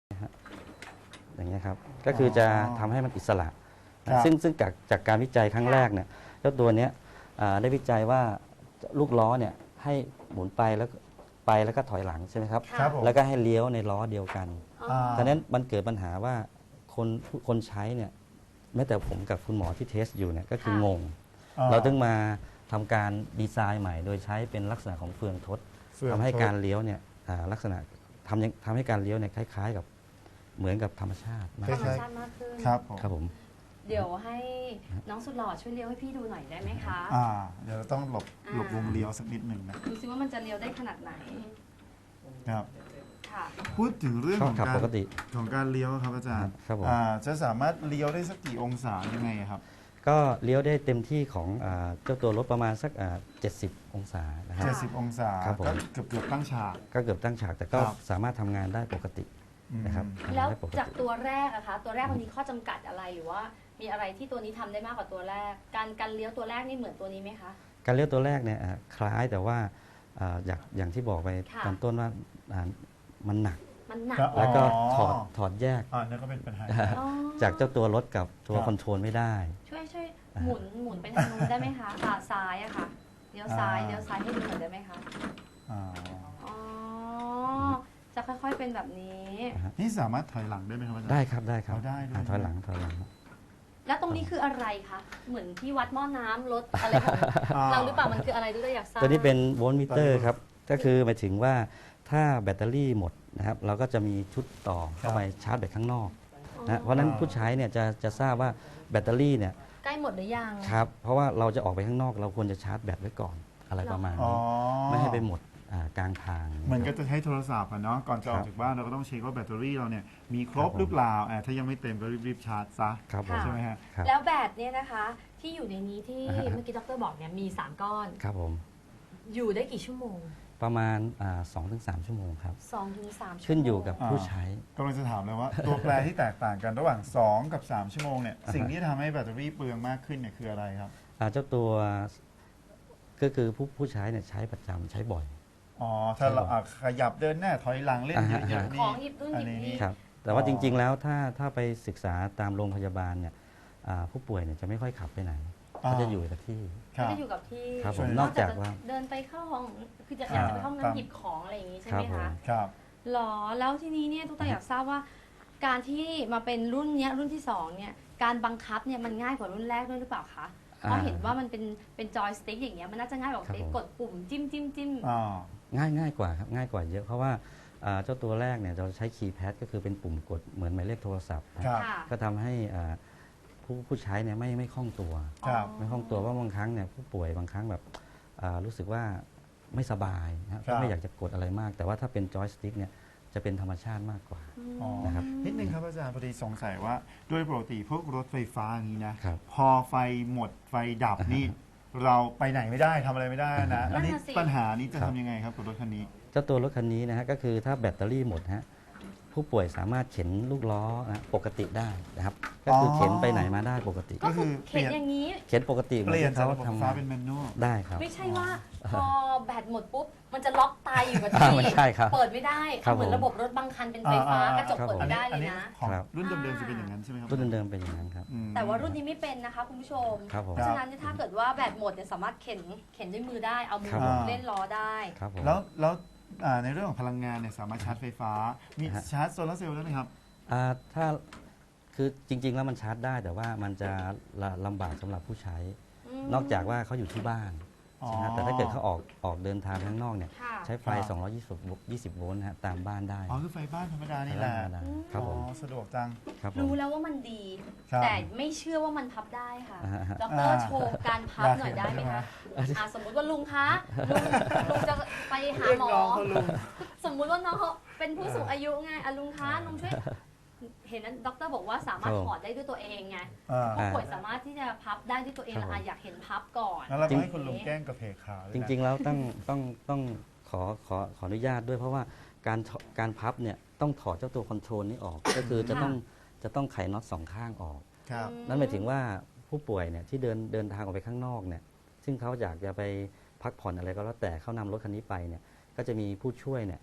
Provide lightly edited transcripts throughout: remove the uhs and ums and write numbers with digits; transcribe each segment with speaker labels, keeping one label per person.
Speaker 1: อย่างเงี้ยครับก็คือจะทำให้มันอิสระซึ่งจากการวิจัยครั้งแรกเนี่ยเจ้าตัวเนี้ยได้วิจัยว่าลูกล้อเนี่ยให้หมุนไปแล้วก็ถอยหลังใช่ไหมครับแล้วก็ให้เลี้ยวในล้อเดียวกันดังนั้นมันเกิดปัญหาว่าคนใช้เนี่ยแม้แต่ผมกับคุณหมอที่เทสอยู่เนี่ยก็คืองงเราต้องมาทำการดีไซน์ใหม่โดยใช้เป็นลักษณะของเฟืองทดทำให้การเลี้ยวเนี่ยลักษณะทำให้การเลี้ยวเนี่ยคล้ายๆกับเหมือนกับธรรมชาติมาก
Speaker 2: ขึ้น
Speaker 1: ครับผม
Speaker 2: เดี๋ยวให้น้องสุดหล่อช่วยเลี้ยวให้พี่ดูหน่อยได้ไหมคะ
Speaker 3: เดี๋ยวต้องหลบวงเลี้ยวสักนิดหนึ่งนะ
Speaker 2: ดูซิว่ามันจะเลี้ยวได้ขนาดไหน
Speaker 3: ครับ
Speaker 2: ค่ะ
Speaker 3: พูดถึงเรื่องของการเลี้ยวครับอาจารย์จะสามารถเลี้ยวได้สักกี่องศายังไงครับ
Speaker 1: ก็เลี้ยวได้เต็มที่ของเจ้าตัวรถประมาณสัก70 องศานะครับ
Speaker 3: 70 องศาก็เกือบตั้งฉาก
Speaker 1: ก็เกือบตั้งฉากแต่ก็สามารถทำงานได้ปกตินะครับ
Speaker 2: แล้วจากตัวแรกอะคะตัวแรกมันมีข้อจำกัดอะไรหรือว่ามีอะไรที่ตัวนี้ทำได้มากกว่าตัวแรกการเลี้ยวตัวแรกนี่เหมือนตัวนี้ไหมคะ
Speaker 1: การเลี้ยวตัวแรกเนี่ยคล้ายแต่ว่าอย่างที่บอกไปตอนต้นว่ามันหนักแล้วก็ถอดแยก
Speaker 3: นั่นก็เป็นปัญหา
Speaker 1: จากเจ้าตัวรถกับตัวคอนโทรลไม่ได้
Speaker 2: ช่วยหมุนไปทางนู้นได้ไหมคะขาซ้ายอะค่ะเลี้ยวซ้ายให้ดูหน่อยได้ไหมคะจะค่อยๆเป็นแบบนี้
Speaker 3: นี่สามารถถอยหลังได้ไหมครับ
Speaker 1: ได้ครับได้ถอยหลัง
Speaker 2: แล้วตรงนี้คืออะไรคะเหมือนที่วัดหม้อน้ำรถอะไรของเราหรือเปล่ามันคืออะไรด้วยอยากทราบ
Speaker 1: ตัวนี้เป็นโวลต์มิเตอร์ครับก็คือหมายถึงว่าถ้าแบตเตอรี่หมดนะครับเราก็จะมีชุดต่อเข้าไปชาร์จแบตข้างนอกนะเพราะฉะนั้นผู้ใช้เนี่ยจะทราบว่าแบตเตอรี่เนี่ย
Speaker 2: ใกล้หมดหรือยัง
Speaker 1: ครับเพราะว่าเราจะออกไปข้างนอกเราควรจะชาร์จแบตไว้ก่อนอะไรประมาณนี้ไม่ให้ไปหมดกลางทาง
Speaker 3: เหมือนก็จะใช้โทรศัพท์เนาะก่อนจะออกจากบ้านเราก็ต้องเช็คว่าแบตเตอรี่เราเนี่ยมีครบหรือเปล่าถ้ายังไม่เต็มก็รีบชาร์จซะใช่ไหมฮะ
Speaker 2: แล้วแบตเนี่ยนะคะที่อยู่ในนี้ที่เมื่อกี้ดร.บอกเนี่ยมี3ก้อน
Speaker 1: ครับผม
Speaker 2: อยู่ได้กี่ชั่วโมง
Speaker 1: ประมาณ 2-3 ชั่วโมงครับ
Speaker 2: 2-3 ชั่วโมง
Speaker 1: ขึ้นอยู่กับผู้ใช้
Speaker 3: กำลังจะถามเลยว่าตัวแปรที่แตกต่างกันระหว่าง2กับ3ชั่วโมงเนี่ยสิ่งที่ทำให้แบตเตอรี่เปลืองมากขึ้นเนี่ยคืออะไรครับ
Speaker 1: เจ้าตัวก็คือผู้ใช้เนี่ยใช้ประจำใช้บ่อย
Speaker 3: ถ้าเราขยับเดินหน้าถอยหลังเล่นเยอะ
Speaker 2: ๆนี่ของหยิบนู่นหยิบนี่
Speaker 1: ครับแต่ว่าจริงๆแล้วถ้าไปศึกษาตามโรงพยาบาลเนี่ยผู้ป่วยเนี่ยจะไม่ค่อยขับไปไหนก็จะอยู่กับที่
Speaker 2: จะอยู่กับที่
Speaker 1: ครับผมนอกจากว่า
Speaker 2: เดินไปเข้าห้องคืออยากจะไปห้องน้ำหยิบของอะไรอย่างนี้ใช่ไหมคะ
Speaker 3: ครับ
Speaker 2: หรอแล้วทีนี้เนี่ยตุ๊กตาอยากทราบว่าการที่มาเป็นรุ่นที่2เนี่ยการบังคับเนี่ยมันง่ายกว่ารุ่นแรกด้วยหรือเปล่าคะเพราะเห็นว่ามันเป็นจอยสติ๊กอย่างเงี้ยมันน่าจะง่ายกว่ากดปุ่มจิ้ม
Speaker 1: ง่ายกว่าครับง่ายกว่าเยอะเพราะว่าเจ้าตัวแรกเนี่ยเราใช้คีย์แพดก็คือเป็นปุ่มกดเหมือนหมายเลขโทรศัพท์ก็ทำให้ผู้ใช้เนี่ยไม่คล่องตัวไม่คล่องตัวว่าบางครั้งเนี่ยผู้ป่วยบางครั้งแบบรู้สึกว่าไม่สบายนะก็ไม่อยากจะกดอะไรมาก แต่ว่าถ้าเป็นจอยสติ๊กเนี่ยจะเป็นธรรมชาติมากกว่านะครับ
Speaker 3: นิดนึงครับอาจารย์พอดีสงสัยว่าโดยปกติพวกรถไฟฟ้าอย่างนี้นะพอไฟหมดไฟดับนี่เราไปไหนไม่ได้ทำอะไรไม่ได้นะอันนี้ปัญหานี้จะทำยังไงครับกับรถคันนี้
Speaker 1: เจ้าตัวรถคันนี้นะฮะก็คือถ้าแบตเตอรี่หมดฮะผู้ป่วยสามารถเข็นลูกล้อนะปกติได้นะครับก็คือเข็นไปไหนมาได้ปกติ
Speaker 2: ก็คือเข็นอย่างนี้
Speaker 1: เข็นปกติ
Speaker 3: เปลี่ยนจากระบบไฟฟ้าเป็นแมนนวล
Speaker 1: ได้ครับ
Speaker 2: ไม่ใช่ว่าพอแบตหมดปุ๊บมันจะล็อกตายอยู่กับที่เปิดไม่ได้เหมือนระบบรถบางคันเป็นไฟฟ้ากระจกเปิดไม่ได้เลยนะ
Speaker 3: รุ่นเดิมๆจะเป็นอย่างนั้นใช่ไหมครับ
Speaker 1: รุ่นเดิมเป็นอย่างนั้นครับ
Speaker 2: แต่ว่ารุ่นนี้ไม่เป็นนะคะคุณผู้ชมเพราะฉะนั้นถ้าเกิดว่าแบตหมดเนี่ยสามารถเข็นด้วยมือได้เอามือเล่นล้อได้
Speaker 3: แล้วในเรื่องของพลังงานเนี่ยสามารถชาร์จไฟฟ้ามีชาร์จโซลาร์เซลล์ได้ไหมครับ
Speaker 1: ถ้าคือจริงๆแล้วมันชาร์จได้แต่ว่ามันจะลำบากสำหรับผู้ใช้นอกจากว่าเขาอยู่ที่บ้านแต่ถ้าเกิดเขาออกเดินทางข้างนอกเนี่ยใช้ไฟ220 โวลต์ตามบ้านได้
Speaker 3: คือไฟบ้านธรรมดานี่แหละ
Speaker 1: ครับผม
Speaker 3: สะดวกจัง
Speaker 2: รู้แล้วว่ามันดีแต่ไม่เชื่อว่ามันพับได้ค่ะดร.โชว์การพับหน่อยได้ไหมคะสมมุติว่าลุงคะลุงจะไปหาหมอสมมุติว่าน้องเขาเป็นผู้สูงอายุไงลุงคะลุงช่วยเห็นนั้นดร.บอกว่าสามารถถอดได้ด้วยตัวเองไงผู้ป่วยสามารถที่จะพับได้ด้วยตัวเองอยากเห็นพับก่อน
Speaker 3: แล้วเราให้คุณลุงแกล้งกระเพกขา
Speaker 1: จริงๆแล้วต้องขออนุญาตด้วยเพราะว่าการพับเนี่ยต้องถอดเจ้าตัวคอนโทรลนี้ออกก็คือจะต้องไขน็อต2ข้างออกนั่นหมายถึงว่าผู้ป่วยเนี่ยที่เดินทางออกไปข้างนอกเนี่ยซึ่งเขาอยากจะไปพักผ่อนอะไรก็แล้วแต่เขานำรถคันนี้ไปเนี่ยก็จะมีผู้ช่วยเนี่ย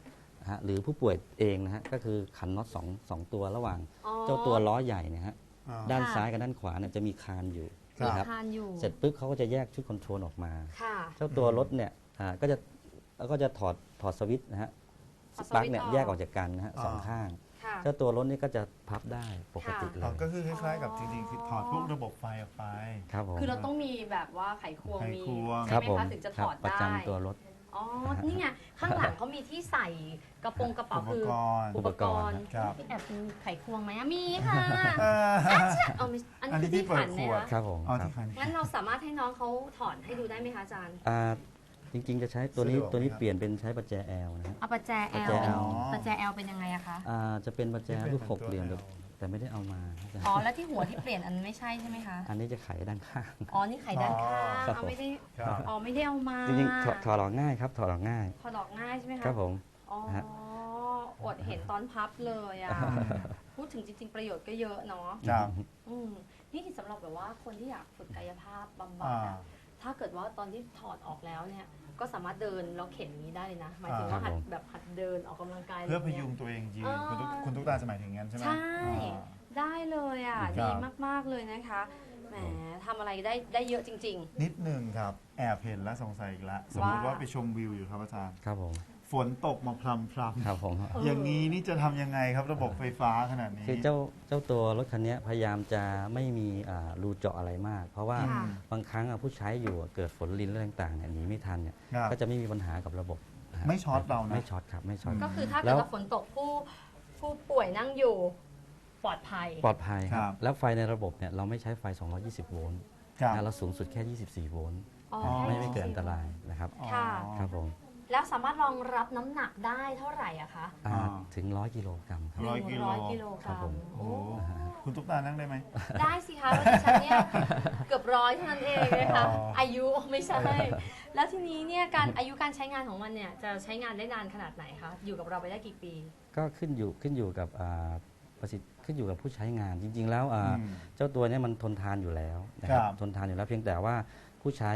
Speaker 1: ฮะหรือผู้ป่วยเองนะฮะก็คือขันน็อตสองตัวระหว่างเจ้าตัวล้อใหญ่เนี่ยฮะ ด้านซ้ายกับด้านขวาเนี่ยจะมีคานอยู่
Speaker 2: มี
Speaker 1: นะครับ
Speaker 2: คานอยู่
Speaker 1: เสร็จปุ๊บเขาก็จะแยกชุดคอนโทรลออกมา
Speaker 2: ค่ะ
Speaker 1: เจ้าตัวรถเนี่ยก็จะถอดสวิตช์นะฮะ
Speaker 2: ถอดสวิตช์
Speaker 1: ปลั๊กเนี่ย
Speaker 2: ออก
Speaker 1: แยกออกจากกันนะฮะสองข้าง
Speaker 2: ค่ะ
Speaker 1: เจ้าตัวรถนี่ก็จะพับได้ปกติเล
Speaker 3: อ๋อย ก็คือคล้ายๆกับจริงๆคือถอดพวกระบบไฟออกไป
Speaker 1: ครับผม
Speaker 2: คือเราต้องมีแบบว่าไขควง
Speaker 3: ไข
Speaker 2: มี
Speaker 3: ควง
Speaker 1: ค
Speaker 2: ใช่
Speaker 1: รับ
Speaker 2: ไหม
Speaker 1: ผม
Speaker 2: คะถึงจะถอด
Speaker 1: ประ
Speaker 2: ได้
Speaker 1: จำตัวรถ
Speaker 2: อ๋อ นี่ไง ข้างหลังเขามีที่ใส่กระโปรงกระเป๋า
Speaker 3: อุป
Speaker 2: คือก
Speaker 3: รณ์
Speaker 2: อุปกรณ์
Speaker 3: ครับ
Speaker 2: พี่แอบมีไขควงไหมอะมีค่ะ
Speaker 3: อ่า
Speaker 2: เอาไม่อัน
Speaker 3: อันนี้
Speaker 2: นี้คือที่
Speaker 3: ที่เปิด
Speaker 2: ขัน
Speaker 3: ข
Speaker 2: นะ
Speaker 3: วด
Speaker 2: คะ
Speaker 1: ครับผม
Speaker 3: อ๋อ
Speaker 1: ครับ
Speaker 3: ที่คัน
Speaker 2: งั้นเราสามารถให้น้องเขาถอนให้ดูได้ไหมคะอาจารย์
Speaker 1: จริงๆจะใช้ตัวนี้
Speaker 3: สะดวกไหม
Speaker 1: ตัวนี้
Speaker 3: ครับ
Speaker 1: เปลี่ยนเป็นใช้ประแจ L นะฮะ
Speaker 2: เอาประแจ
Speaker 1: ประ
Speaker 2: L
Speaker 1: แจ L
Speaker 2: ประแจ L เป็นยังไงอะคะ
Speaker 1: จะเป็นประแจ
Speaker 3: ที่เป็น
Speaker 1: รูปหก
Speaker 3: ตัว
Speaker 1: เหลี่ยม
Speaker 3: L
Speaker 1: แต่ไม่ได้เอามาครับ
Speaker 2: อ๋อ แล้วที่หัวที่เปลี่ยนอันไม่ใช่ใช่ไหมคะ
Speaker 1: อันนี้จะไขด้านข้าง
Speaker 2: อ๋อ นี่ไขด้านข้าง
Speaker 1: ครับ
Speaker 2: เอา
Speaker 1: ผม
Speaker 2: ไม่ได้
Speaker 3: ครับ
Speaker 2: อ๋อ ไม่ได้เอามา
Speaker 1: จริงๆถอดออกง่ายครับถอดออกง่าย
Speaker 2: ถอดออกง่ายใช่ไหมคะ
Speaker 1: ครับผม
Speaker 2: อ๋อ
Speaker 1: ฮะ
Speaker 2: อดเห็นตอนพับเลยอะพูดถึงจริง ๆ ประโยชน์ก็เยอะเนาะ
Speaker 3: ครับ
Speaker 2: อืมนี่สำหรับแบบว่าคนที่อยากฝึกกายภาพบำบัด
Speaker 3: อ่า
Speaker 2: อะถ้าเกิดว่าตอนที่ถอดออกแล้วเนี่ย ก็สามารถเดินแล้วเข็นอย่างนี้ได้เลยนะ หมายถึงว่า
Speaker 1: ครั
Speaker 2: หั
Speaker 1: บ
Speaker 2: ด
Speaker 1: ผม
Speaker 2: แบบหัดเดินออกกำลังกาย
Speaker 3: เพื่อพ
Speaker 2: ะไร
Speaker 3: ยุ
Speaker 2: งี้
Speaker 3: งตัวเองยืน
Speaker 2: อ่า
Speaker 3: คุณตุ๊กตาจะหมายถึงงั้นใช่ไหม
Speaker 2: ใช่
Speaker 3: อ่า
Speaker 2: ได้เลยอ่ะ
Speaker 3: ครับ
Speaker 2: ดีมากๆเลยนะคะ แหมทำอะไรได้เยอะจริง
Speaker 3: นิดหนึ่งครับ แอบเห็นและสงสัยอีกแล้ว สมมติว่าไปชมวิวอยู่ครับอาจารย์
Speaker 1: ครับผม
Speaker 3: ฝนตกมาพรำ
Speaker 1: ครับผม
Speaker 3: ๆอย่างนี้นี่จะทำยังไงครับระบบไฟฟ้าขนาดนี้
Speaker 1: คือเจ้าตัวรถคันนี้พยายามจะไม่มีรูเจาะอะไรมาก เพราะว่า
Speaker 2: ค่ะ
Speaker 1: บางครั้งผู้ใช้อยู่เกิดฝนลินอะไรต่างๆเนี่ยหนีไม่ทันเนี่ย
Speaker 3: ครับ
Speaker 1: ก็จะไม่มีปัญหากับระบบนะฮะ
Speaker 3: ไม่ช็อตเรานะ
Speaker 1: ไม่ช็อตครับไม่ช็อต
Speaker 2: ๆ ก็คือถ้า
Speaker 1: แล้
Speaker 2: เกิด
Speaker 1: ว
Speaker 2: ว่าฝนตกผู้ป่วยนั่งอยู่ปลอดภัย
Speaker 1: ปลอดภัยค
Speaker 3: ครั
Speaker 1: รับ บแล้วไฟในระบบเนี่ยเราไม่ใช้ไฟ 220 โวลต์
Speaker 3: ครับ
Speaker 1: นะเราสูงสุดแค่ 24 โวลต์
Speaker 2: อ๋อ
Speaker 1: ไม่เกิดอันตรายนะครับ
Speaker 2: ค่ะ
Speaker 1: ครับผม
Speaker 2: แล้วสามารถรองรับน้ำหนักได้เท่าไหร่อะคะ
Speaker 1: ถึง 100 กิโลกรัมครับ
Speaker 3: 100 กิโล
Speaker 2: 100 กิโลก
Speaker 1: ครั
Speaker 2: รับ
Speaker 1: ผม
Speaker 2: ม
Speaker 3: โอ้คุณตุ๊กตานั่งได้ไหม
Speaker 2: ได้สิคะแล้วดิฉันเนี่ยเกือบร้อยเท่านั้นเองนะคะ
Speaker 3: อ๋ออ
Speaker 2: อายุไม่ใช่ แล้วทีนี้เนี่ยอายุการใช้งานของมันเนี่ยจะใช้งานได้นานขนาดไหนคะอยู่กับเราไปได้กี่ปี
Speaker 1: ก็ขึ้นอยู่กับประสิทธิ์ขึ้นอยู่กับผู้ใช้งานจริง ๆ แล้ว
Speaker 3: อืม
Speaker 1: เจ้าตัวเนี้มันทนทานอยู่แล้วนะครับ
Speaker 3: ครับ
Speaker 1: ทนทานอยู่แล้วเพียงแต่ว่าผู้ใช้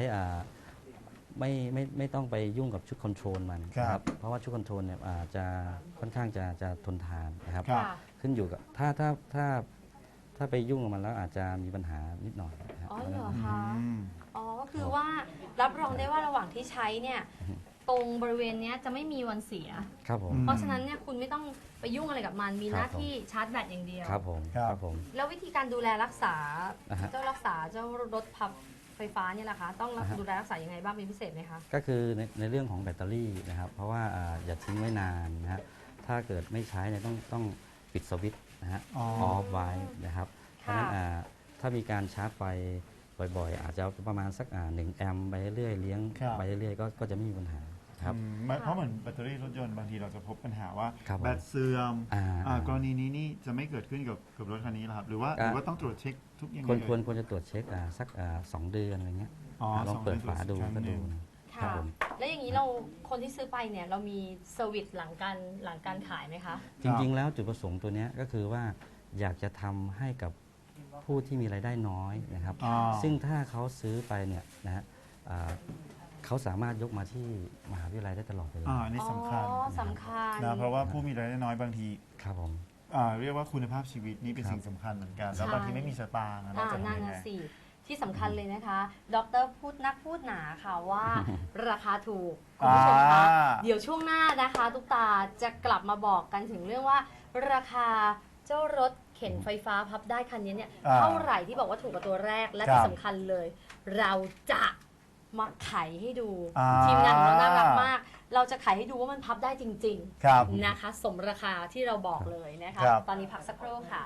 Speaker 1: ไม่ต้องไปยุ่งกับชุดคอนโทรลมันนะครับเพราะว่าชุดคอนโทรลเนี่ยจะค่อนข้างจะทนทานนะครับ
Speaker 3: ครับ
Speaker 1: ขึ้นอยู่กับถ้าไปยุ่งกับมันแล้วอาจจะมีปัญหานิดหน่อยนะครับ
Speaker 2: อ๋อเหรอ
Speaker 3: อื
Speaker 2: คะ
Speaker 3: ม
Speaker 2: อ๋อก็คือว่ารับรองได้ว่าระหว่างที่ใช้เนี่ยตรงบริเวณเนี้ยจะไม่มีวันเสีย
Speaker 1: ครับผม
Speaker 3: อืม
Speaker 2: เพราะฉะนั้นเนี่ยคุณไม่ต้องไปยุ่งอะไรกับมันมีหน้า
Speaker 1: ครับผม
Speaker 2: ที่ชาร์จแบตอย่างเดียว
Speaker 1: ครับผม
Speaker 3: ครับ
Speaker 1: ครับผม
Speaker 2: แล้ววิธีการดูแลรักษา
Speaker 1: อ่าฮะ
Speaker 2: เจ้ารถพับไฟฟ้าเนี่ยแหละคะต้องดูแลรักษายังไงบ้างเป็นพิเศษไหมคะ
Speaker 1: ก็คือในเรื่องของแบตเตอรี่นะครับ เพราะว่าอย่าทิ้งไว้นานนะฮะถ้าเกิดไม่ใช้เนี่ยต้องปิดสวิตช์นะฮะ
Speaker 3: อ๋อ
Speaker 1: ออฟไว้นะครับ เพราะฉะนั้นถ้ามีการชาร์จไฟบ่อยๆ อาจจะประมาณสัก1 แอมป์ไปเรื่อยๆเลี้ยง
Speaker 3: ครับ
Speaker 1: ไปเรื่อยๆก็จะไม่มีปัญหาครับ
Speaker 3: เพราะเหมือนแบตเตอรี่รถยนต์บางทีเราจะพบปัญหาว่า
Speaker 1: ครับผม
Speaker 3: แบตเสื่อม
Speaker 1: อ่า
Speaker 3: กรณีนี้นี่จะไม่เกิดขึ้นกับรถคันนี้เหรอครับ หรือว่าต้องตรวจเช็คทุกอย่าง
Speaker 1: ควรจะตรวจเช็คสัก2 เดือนอะไรเงี้ย
Speaker 3: อ๋อ
Speaker 1: ลองเปิดฝาดู
Speaker 3: สองเดือน
Speaker 1: ก็ดู
Speaker 3: ตรวจเช็คครั้งหนึ่ง
Speaker 1: นะครั
Speaker 2: ค่ะ
Speaker 1: บผม
Speaker 2: แล้วอย่างนี้คนที่ซื้อไปเนี่ยเรามีเซอร์วิสหลังการขายไหมคะ
Speaker 1: จริงๆ แล้วจุดประสงค์ตัวเนี้ยก็คือว่าอยากจะทำให้กับผู้ที่มีรายได้น้อยนะครับ
Speaker 3: อ๋อ
Speaker 1: ซึ่งถ้าเขาซื้อไปเนี่ยนะฮะเขาสามารถยกมาที่มหาวิทยาลัยได้ตลอดเวลา
Speaker 3: อันนี้สำคัญ
Speaker 2: อ๋อสำคัญ
Speaker 3: นะเพราะว่าผู้มีรายได้น้อยบางที
Speaker 1: ครับผม
Speaker 3: เรียกว่าคุณภาพชีวิตนี่เป็น
Speaker 1: ครับ
Speaker 3: สิ่งสำคัญเหมือนกัน แล้ว
Speaker 2: ใช่
Speaker 3: บางทีไม่มีสตางค์อะเราจะ
Speaker 2: นั่
Speaker 3: ทำ
Speaker 2: น
Speaker 3: ยังไง
Speaker 2: น่ะสิที่สำคัญเลยนะคะ ดรนักพูดหนาค่ะว่า ราคาถูกคุณผู้ชมคะ เดี๋ยวช่วงหน้านะคะตุ๊กตาจะกลับมาบอกกันถึงเรื่องว่า ราคาเจ้ารถเข็นไฟฟ้าพับได้คันนี้เนี่ย
Speaker 3: อ่า
Speaker 2: เท่าไหร่ที่บอกว่าถูกกว่าตัวแรกและ
Speaker 3: ครับ
Speaker 2: ที่สำคัญเลย เราจะมาไขให้ดู
Speaker 3: อ่า
Speaker 2: ทีมงานของเราน่ารักมาก เราจะไขให้ดูว่ามันพับได้จริง
Speaker 3: ครับ
Speaker 2: ๆนะคะ สมราคาที่เราบอกเลยนะคะ
Speaker 3: ครับ
Speaker 2: ตอนนี้พักสักครู่ค่ะ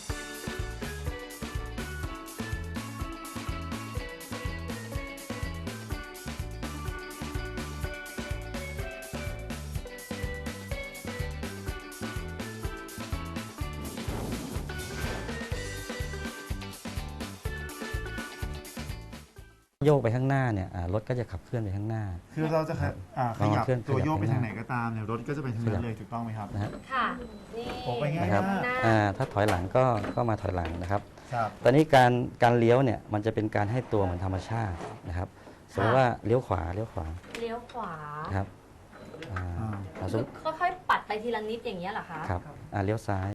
Speaker 1: โยกไปข้างหน้าเนี่ยรถก็จะขับเคลื่อนไปข้างหน้า
Speaker 3: คือเราจะขยับ
Speaker 1: เคลื่อน
Speaker 3: ตัวโยกไป
Speaker 1: ขยับ
Speaker 3: ทางไหนก็ตามเนี่ยรถก็จะไปทางนั้นเลยถูกต้องไหมครับ
Speaker 1: นะฮะ
Speaker 2: ค่ะ นี่
Speaker 3: โอ้ไปง่าย
Speaker 1: นะครับ
Speaker 2: หน้า
Speaker 1: ถ้าถอยหลังก็มาถอยหลังนะครับ
Speaker 3: ครับ
Speaker 1: ตอนนี้การเลี้ยวเนี่ยมันจะเป็นการให้ตัวเหมือนธรรมชาตินะครับสมมติว่าเลี้ยวขวา
Speaker 2: เลี้ยวขวา
Speaker 1: นะครับ
Speaker 3: อ่า
Speaker 1: เราส
Speaker 2: คื
Speaker 1: ม
Speaker 2: อ
Speaker 1: มุติ
Speaker 2: ค่อยๆปัดไปทีละนิดอย่างเงี้ยเหรอคะ
Speaker 1: ครับเลี้ยวซ้าย